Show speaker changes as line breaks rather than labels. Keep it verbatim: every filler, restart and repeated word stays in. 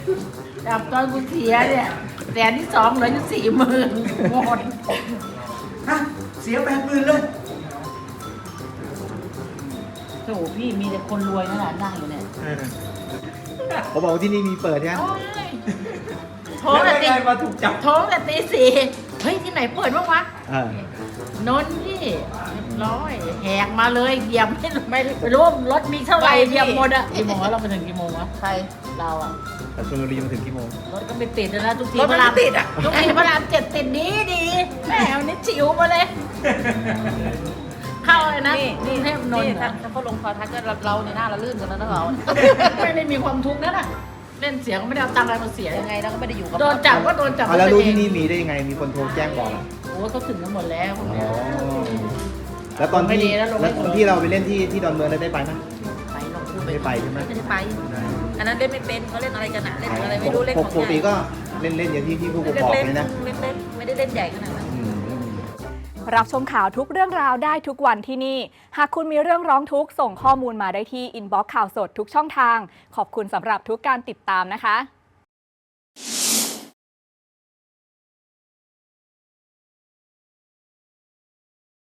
จับตอนกูเสียเนี่ยแสนที่สองเหลืออยู่สี่หมื่นหมด
ฮะเสียแปดหมื่นเลย
โถพี่มีแต่คนรวยนั่นแหละนั่งอยู่เนี่ย
เขาบอกว่าที่นี่มีเปิดใช่ไหม
โอ้ยโทร
แล้ว
แต่
ไง
ตี
มาถูกจับ
โทรแต่ตีสี่เฮ้ยที่ไหนเปิดบ้างวะ
เออน
นท์พี่เรียบร้อยแหกมาเลยเหยียบไม่ไม่ไม่รู้รถมีเท่าไหร่เหยียบหมดอะกี่โมงเราไปถึงกี่โมงวะใครเราอะ
แต่ชลบุรีมาถึงกี่โมง
รถก็ไม่ติดนะทุกที
รถมันไม่ติดอะ
ทุกทีพระรามเจ็ดติดดีดีแหมวันนี้จิ๋วมาเลย เข้าเลยนะ
นี่นี่
กรุงเทพนนท์
ถ้า
นะ
ถ้าเขาลงคอทักก็เราในหน้าเราลื่นกันแล้วนะเรา
ไม่ได้มีความทุกข์นะน่ะเล่นเสียงไม่ได้เอาตังค์อะไรมาเสีย
ยังไงเราก็ไม่ได้อยู่กับ
โดนจับก็โดนจับ
เอาแล้วรู้
ตัวเอง
ที่นี่มีได้ยังไงมีคนโทรแจ้งบอกเหรอ
โอ้เขาถึงกันหมดแล้วพวก
อ๋
เนี้ย
อแล้วตอน
ไม่
ที่
ดีแล้วลงไม่
แล้วตอนที่เราไปเล่นที่ที่ดอนเมืองได้ไปไหม
ไปลงพูด
ไม่ได้ไปใช่ไหม
ไม่ได้ไป อันนั้นเล่นไม่เป็นเขาเล่นอะไรกันอะเล่นอะไรไม่รู้เล่น
ป
ของ
กติก็เล่นเล่นอย่างที่ที่ผู้ปก
เล่
คน รอง
เล่น
เลยนะ
เล่นเล่นไม่ได้เล่นใหญ่ขนาดนั้น
อืม
รับชมข่าวทุกเรื่องราวได้ทุกวันที่นี่ หากคุณมีเรื่องร้องทุกข์ส่งข้อมูลมาได้ที่อินบ็อกซ์ข่าวสดทุกช่องทาง ขอบคุณสำหรับทุกการติดตามนะคะ